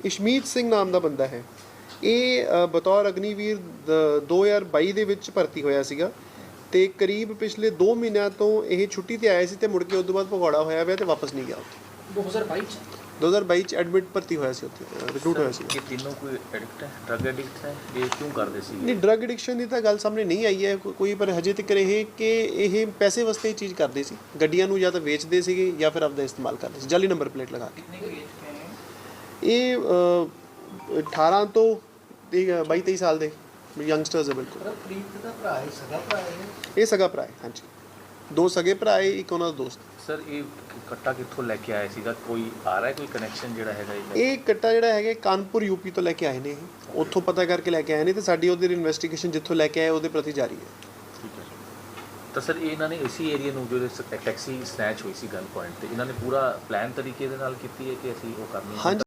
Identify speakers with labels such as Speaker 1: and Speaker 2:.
Speaker 1: ਇਸ਼ਮੀਤ ਸਿੰਘ ਨਾਮ ਦਾ ਬੰਦਾ ਹੈ। ਇਹ ਬਤੌਰ ਅਗਨੀਵੀਰ 2022 ਦੇ ਵਿੱਚ ਭਰਤੀ ਹੋਇਆ ਸੀਗਾ ਤੇ ਕਰੀਬ ਪਿਛਲੇ 2 ਮਹੀਨਿਆਂ ਤੋਂ ਇਹ ਛੁੱਟੀ ਤੇ ਆਇਆ ਸੀ ਤੇ ਮੁੜ ਕੇ ਉਸ ਤੋਂ ਬਾਅਦ ਭਗੌੜਾ ਹੋਇਆ ਪਿਆ ਤੇ ਵਾਪਸ ਨਹੀਂ ਗਿਆ ਉੱਥੇ। 2022 ਚ ਐਡਮਿਟ ਭਰਤੀ ਹੋਇਆ ਸੀ ਉੱਥੇ, ਰਿਕਰੂਟ ਹੋਇਆ ਸੀ।
Speaker 2: ਇਹ ਤਿੰਨੋਂ ਕੋਈ ਐਡਿਕਟ ਹੈ, ਡਰਗ ਐਡਿਕਟ ਹੈ? ਇਹ ਕਿਉਂ ਕਰਦੇ ਸੀ?
Speaker 1: ਨਹੀਂ, ਡਰਗ ਐਡਿਕਸ਼ਨ ਦੀ ਤਾਂ ਗੱਲ ਸਾਹਮਣੇ ਨਹੀਂ ਆਈ ਹੈ ਕੋਈ, ਪਰ ਹਜੇ ਤੱਕ ਇਹ ਕਿ ਇਹ ਪੈਸੇ ਵਾਸਤੇ ਇਹ ਚੀਜ਼ ਕਰਦੇ ਸੀ। ਗੱਡੀਆਂ ਨੂੰ ਜਾਂ ਤਾਂ ਵੇਚਦੇ ਸੀਗੇ ਜਾਂ ਫਿਰ ਆਪਦਾ ਇਸਤੇਮਾਲ ਕਰਦੇ ਸੀ ਜਾਲੀ ਨੰਬਰ ਪਲੇਟ ਲਗਾ ਕੇ। ਇਹ 18 ਤੋਂ 22-23 ਸਾਲ ਦੇ ਯੰਗਸਟਰਸ ਹੈ। ਬਿਲਕੁਲ
Speaker 3: ਪ੍ਰੀਤ ਦਾ ਭਰਾ ਹੈ, ਸਗਾ ਭਰਾ ਹੈ।
Speaker 1: ਇਹ ਸਗਾ ਭਰਾ ਹੈ, ਹਾਂਜੀ। 2 ਸਗੇ ਭਰਾ ਹੈ, ਇੱਕ ਉਹਨਾਂ ਦਾ ਦੋਸਤ।
Speaker 2: ਸਰ ਇਹ ਕੱਟਾ ਕਿੱਥੋਂ ਲੈ ਕੇ ਆਇਆ ਸੀਗਾ? ਕੋਈ ਆ ਰਿਹਾ ਕੋਈ ਕਨੈਕਸ਼ਨ ਜਿਹੜਾ ਹੈਗਾ
Speaker 1: ਇਹ ਕੱਟਾ ਜਿਹੜਾ ਹੈਗਾ ਕਾਨਪੁਰ ਯੂਪੀ ਤੋਂ ਲੈ ਕੇ ਆਏ ਨੇ। ਇਹ ਉੱਥੋਂ ਪਤਾ ਕਰਕੇ ਲੈ ਕੇ ਆਏ ਨੇ ਤੇ ਸਾਡੀ ਉਹਦੀ ਇਨਵੈਸਟੀਗੇਸ਼ਨ ਜਿੱਥੋਂ ਲੈ ਕੇ ਆਏ ਉਹਦੇ ਪ੍ਰਤੀ ਜਾਰੀ ਹੈ।
Speaker 2: ਠੀਕ ਹੈ ਤਾਂ ਸਰ ਇਹਨਾਂ ਨੇ ਇਸੀ ਏਰੀਆ ਨੂੰ ਜਿਹੜੇ ਟੈਕਸੀ ਸਨੈਚ ਹੋਈ ਸੀ ਗਨ ਪੁਆਇੰਟ ਤੇ ਇਹਨਾਂ ਨੇ ਪੂਰਾ ਪਲਾਨ ਤਰੀਕੇ ਦੇ ਨਾਲ ਕੀਤੀ ਹੈ ਕਿ ਅਸੀਂ ਉਹ ਕਰਨੀ ਹੈ?